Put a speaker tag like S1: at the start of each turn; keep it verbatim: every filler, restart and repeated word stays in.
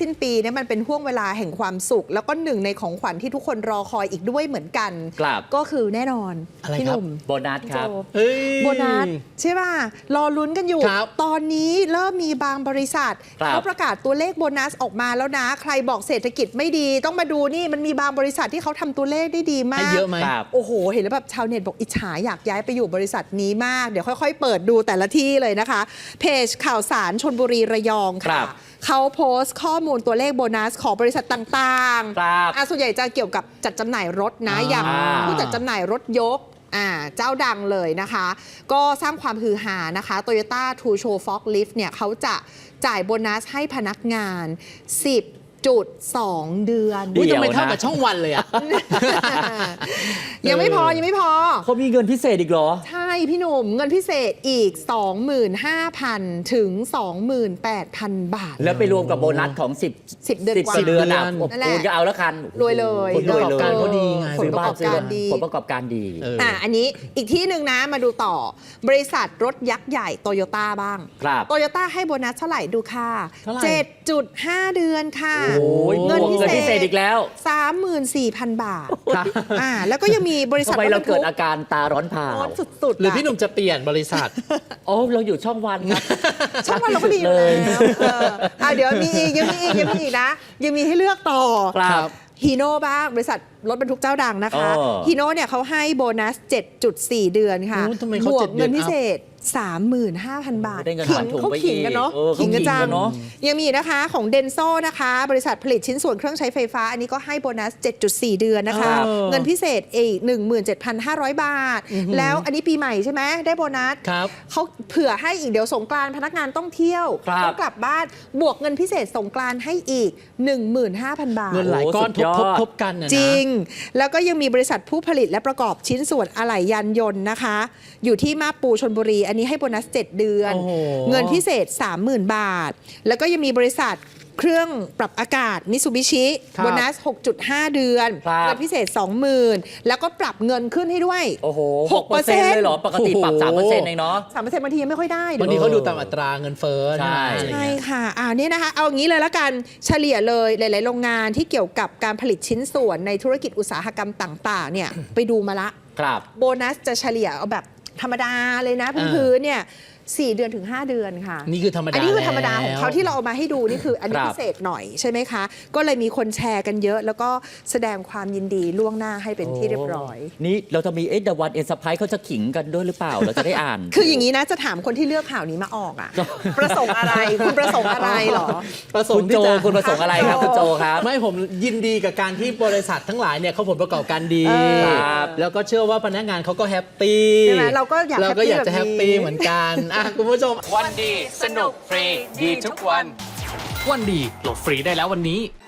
S1: สิ้นปีเนี่ยมันเป็นห่วงเวลาแห่งความสุขแล้วก็หนึ่งในของขวัญที่ทุกคนรอคอยอีกด้วยเหมือนกันก็คือแน่นอนพี่หนุ่ม
S2: โบนัสครับ
S1: โบนัสใช่ป่ะรอลุ้นกันอยู่ตอนนี้เริ่มมีบางบริษัทเขาประกาศตัวเลขโบนัสออกมาแล้วนะใครบอกเศรษฐกิจไม่ดีต้องมาดูนี่มันมีบางบริษัทที่เขาทำตัวเลขได้ดีมาก
S3: เยอะไหม
S1: โอ้โหเห็นแล้วแบบชาวเน็ตบอกอิจฉาอยากย้ายไปอยู่บริษัทนี้มากเดี๋ยวค่อยๆเปิดดูแต่ละที่เลยนะคะเพจข่าวสารชลบุรีระยองค่ะเขาโพสต์ข้อมูลตัวเลขโบนัสของบริษัทต่างๆส่วนใหญ่จะเกี่ยวกับจัดจำหน่ายรถนะอย่างผู้จัดจำหน่ายรถยกอ่าเจ้าดังเลยนะคะก็สร้างความฮือฮานะคะ Toyota Two Show Forklift เนี่ยเขาจะจ่ายโบนัสให้พนักงานสิบจุดสองเดือน
S3: อุ้ยทำไมเท่ากับช่องวันเลยอ่ะ
S1: ยังไม่พอยังไม่พอ
S2: เขามีเงินพิเศษอีกเหรอ
S1: ใช่พี่หนุ่มเงินพิเศษอีก สองหมื่นห้าพัน ถึง สองหมื่นแปดพัน บาท
S2: แล้วไปรวมกับโบนัสของสิบ
S1: สิบเดือนกว่า
S2: เดือนอ่ะคูณก็เอาแล้วคัน
S1: รวยเลย
S3: ผลประกอบการเขาดีไง
S1: ผลประกอบการดี
S2: ผลประกอบการดี
S1: อ่ะอันนี้อีกที่หนึ่งนะมาดูต่อบริษัทรถยักษ์ใหญ่โตโยต้าบ้างโตโยต้าให้โบนัสเท่าไหร่ดูค่ะ เจ็ดจุดห้า เดือนค่ะ
S2: เงินพิเศษอีกแล้ว
S1: สามหมื่นสี่พัน บาทอ่าแล้วก็ยังมีบริษัท
S2: ทำไมเราเกิดอาการตาร้อนเผา
S1: สุดๆ
S3: หรือพี่หนุ่มจะเปลี่ยนบริษัท
S2: โอ้เราอยู่ช่องวันครับ
S1: ช่องวันเราก็ดีอยู่แล้วอ่าเดี๋ยวมีอีกยังมีอีกยังมีอีกนะยังมีให้เลือกต่อ
S2: ครับ
S1: ฮีโน่บ้างบริษัทรถบรรทุกเจ้าดังนะคะฮีโน่เนี่ยเขาให้โบนัส เจ็ดจุดสี่ เดือนค่ะบวกเงินพิเศษ สามหมื่นห้าพัน บาทขิงเขาขิงกันเนาะขิงกันจังยังมีนะคะของเดนโซนะคะบริษัทผลิตชิ้นส่วนเครื่องใช้ไฟฟ้าอันนี้ก็ให้โบนัส เจ็ดจุดสี่ เดือนนะคะเงินพิเศษอีก หนึ่งหมื่นเจ็ดพันห้าร้อย บาทแล้วอันนี้ปีใหม่ใช่ไหมได้โบนัสเขาเผื่อให้อีกเดี๋ยวสงกรานต์พนักงานต้องเที่ยวต้องกลับบ้านบวกเงินพิเศษสงกรานต์ให้อีก หนึ่งหมื่นห้าพัน บาท
S3: เงินหลายก้อนทบๆกันนะ
S1: จริงแล้วก็ยังมีบริษัทผู้ผลิตและประกอบชิ้นส่วนอะไหล่ยานยนต์นะคะอยู่ที่มาปูชลบุรีอันนี้ให้โบนัสเจ็ดเดือนเงินพิเศษ สามหมื่น บาทแล้วก็ยังมีบริษัทเครื่องปรับอากาศมิตซูบิชิโบนัส หกจุดห้า เดือนเงินพิเศษ สองหมื่น แล้วก็ปรับเงินขึ้นให้ด้วย
S2: โอ้โห หกเปอร์เซ็นต์ เลยเหรอปกติปรับ สามเปอร์เซ็นต์ เองเนาะ
S1: สามเปอร์เซ็นต์ บางทียังไม่ค่อยได้
S3: บางทีเขาดูตามอัตราเงินเฟ้อ
S2: ใช่
S1: ใช่ค่ะอ่านี่นะคะเอาอย่างนี้เลยละกันเฉลี่ยเลยหลายๆโรงงานที่เกี่ยวกับการผลิตชิ้นส่วนในธุรกิจอุตสาหกรรมต่างๆเนี่ยไปดูมาละโบนัสจะเฉลี่ยเอาแบบธรรมดาเลยนะพื้นๆเนี่ยสี่เดือนถึงห้าเดือนค่ะ
S3: นี่คือธรรมดา
S1: อันนี้คือธรรมดาของเขาที่เราเอามาให้ดูนี่คืออันนี้พิเศษหน่อยใช่ไหมคะก็เลยมีคนแชร์กันเยอะแล้วก็แสดงความยินดีล่วงหน้าให้เป็นที่เรียบร้อย
S2: นี่เราจะมีเอ็ดวันเอ็นสไปเขาจะขิงกันด้วยหรือเปล่าเราจะได้อ่าน
S1: คืออย่างนี้นะจะถามคนที่เลือกข่าวนี้มาออกอ่ะประสงค์อะไรคุณประสงค์อะไรหรอ
S2: ประสงค์โจคุณประสงค์อะไรครับคุณโจครับ
S3: ไม่ผมยินดีกับการที่บริษัททั้งหลายเนี่ยเขาผลประกอบการดีแล้วก็เชื่อว่าพนักงานเขาก็แฮปปี้
S1: เราก็อยาก
S3: เราก็อยากจะแฮปปี้เหมือนกันคุณผู้ชม
S4: วันดีสนุกฟรีดีทุกวันวันดีโหลดฟรีได้แล้ววันนี้